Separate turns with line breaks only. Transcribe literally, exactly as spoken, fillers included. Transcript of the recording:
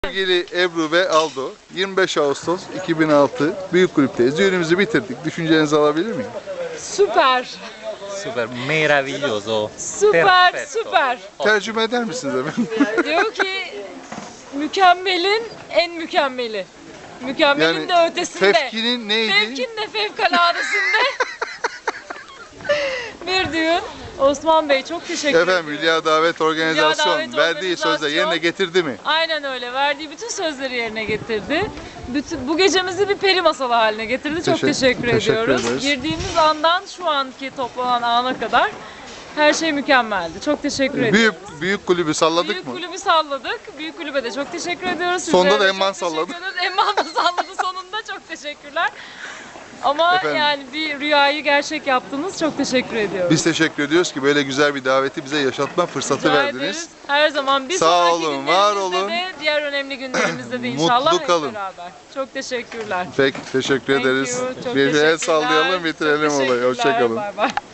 Sevgili Ebru ve Aldo, yirmi beş Ağustos iki bin altı Büyük Kulüp'teyiz. Düğünümüzü bitirdik. Düşüncelerinizi alabilir miyim?
Süper.
Super, meraviglioso.
Süper,
Perfetto.
süper.
Tercüme eder misiniz efendim?
Diyor ki mükemmelin en mükemmeli. Mükemmelin de ötesinde.
Fevkinin neydi?
Fevkin de fevkaladesinde. Bir düğün. Osman Bey çok teşekkür ederim.
Efendim Hülya Davet Organizasyon
Davet
verdiği sözle
Organizasyon.
yerine getirdi mi?
Aynen öyle. Verdiği bütün sözleri yerine getirdi. Bütün, bu gecemizi bir peri masalı haline getirdi. Çok
Teşekkür-
teşekkür,
teşekkür
ediyoruz.
ederiz.
Girdiğimiz andan şu anki toplanan ana kadar her şey mükemmeldi. Çok teşekkür ediyoruz.
Büyük büyük kulübü salladık
Büyük
mı?
kulübü salladık. Büyük kulübe de çok teşekkür ediyoruz.
Sonda
Sizlere
da
de
Emman
çok teşekkür
salladı.
ediyoruz. Emman da salladı sonunda. Çok teşekkürler. Ama
Efendim?
yani bir rüyayı gerçek yaptınız. Çok teşekkür ediyoruz.
Biz teşekkür ediyoruz ki böyle güzel bir daveti bize yaşatma fırsatı
Rica
verdiniz.
ederiz. Her zaman bir
Sağ
sonraki
olun, var
günlerimizde
olun.
de diğer önemli günlerimizde de
Mutlu
inşallah hep
kalın.
beraber. Çok teşekkürler.
Peki teşekkür
Thank
ederiz.
you, çok
Bir el
teşekkürler.
sallayalım bitirelim
Çok
olayı.
teşekkürler.
Hoşçakalın.
Bay bay.